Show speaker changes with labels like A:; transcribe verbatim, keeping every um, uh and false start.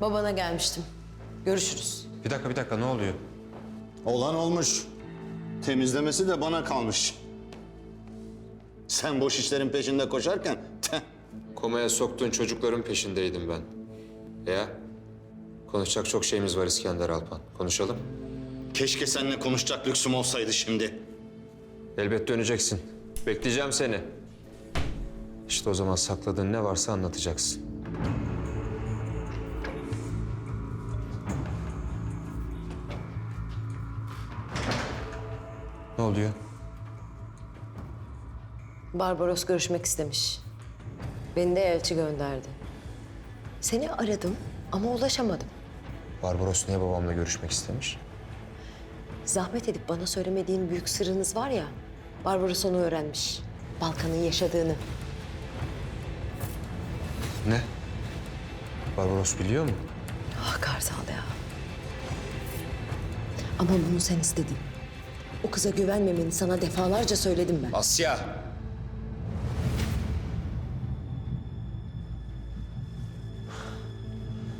A: Babana gelmiştim. Görüşürüz.
B: Bir dakika bir dakika ne oluyor?
C: Olan olmuş. Temizlemesi de bana kalmış. Sen boş işlerin peşinde koşarken... teh,
B: Komaya soktuğun çocukların peşindeydim ben. Ya? Konuşacak çok şeyimiz var İskender Alpan. Konuşalım.
C: keşke seninle konuşacak lüksüm olsaydı şimdi.
B: Elbet döneceksin. Bekleyeceğim seni. İşte o zaman sakladığın ne varsa anlatacaksın. Ne oluyor?
A: Barbaros görüşmek istemiş. Beni de elçi gönderdi. Seni aradım ama ulaşamadım.
B: Barbaros niye babamla görüşmek istemiş?
A: Zahmet edip bana söylemediğin büyük sırrınız var ya. Barbaros onu öğrenmiş. Balkan'ın yaşadığını.
B: Ne? Barbaros biliyor mu?
A: Ah Kartal ya. Ama bunu sen istedin. O kıza güvenmemeni sana defalarca söyledim ben.
B: Asya!